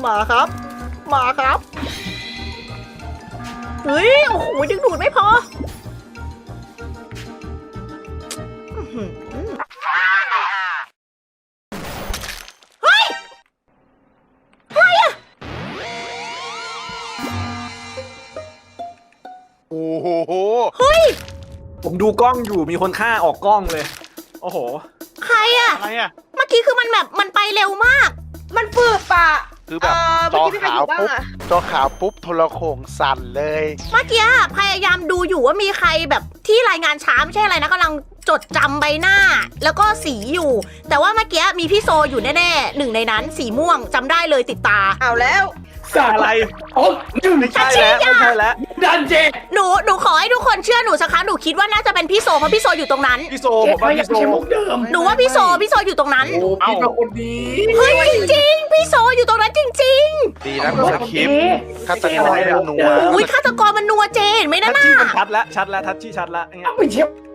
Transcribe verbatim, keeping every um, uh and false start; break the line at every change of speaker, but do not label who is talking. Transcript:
มาครับ มาครับ เฮ้ย โอ้โห ดึงดูดไม่พออื้อหือเฮ้ย อะไรอะ
โอ้โห
เฮ้ย
ผมดูกล้องอยู่มีคนฆ่าออกกล้องเลย โอ้โห
ใครอะ
อะไรอ่ะ
เมื่อกี้คือมันแบบมันไปเร็วมาก
มันฟืบปะ
คือแบบ
เมื่
จ
อ
อ
กี้พี่ใคร
ขา
อ
ว
ยู่บ้าง
ปุ๊บ
อะ
จอขาวปุ๊บโทรโข่งสั่นเลย
เมื่อกี้พยายามดูอยู่ว่ามีใครแบบที่รายงานช้าไม่ใช่อะไรนะกำลังจดจำใบหน้า แล้วก็สีอยู่ แต่ว่าเมื่อกี้มีพี่โซอยู่แน่ๆหนึ่งในนั้นสีม่วงจำได้เลยติดตา
เอาแล้ว
อะไร
โอ้หนึ่ง
ไม่ใช่แล้วไม่ใช่แล้ว
ดันเจ
หนูหนูขอให้ทุกคนเชื่อหนูสักครั้งหนูคิดว่าน่าจะเป็นพี่โซเพราะพี่โซอยู่ตรงนั้น
พี่โซ
เจ๊
ผมว่า
ไม่
พี่โซ
ใช่มุกเดิม
หนูว่าพี่โซพี่โซอยู่ตรงนั้น
โอ้พี่เป็นคนดี
เฮ้ยจริงๆพี่โซอยู่ตรงนั้นจริง
ดีนะคุณสคริปต์ฆาตกรไม่นัว
ๆอุ้ยฆาตกรมันนัวเจนไหม
ทั
นะ
ช
น่ะ
ชี่มันชัดแล้วชัดแล้วทัชชี่ชัดแล้วอย่างเงี้ย
เอาไปเชียว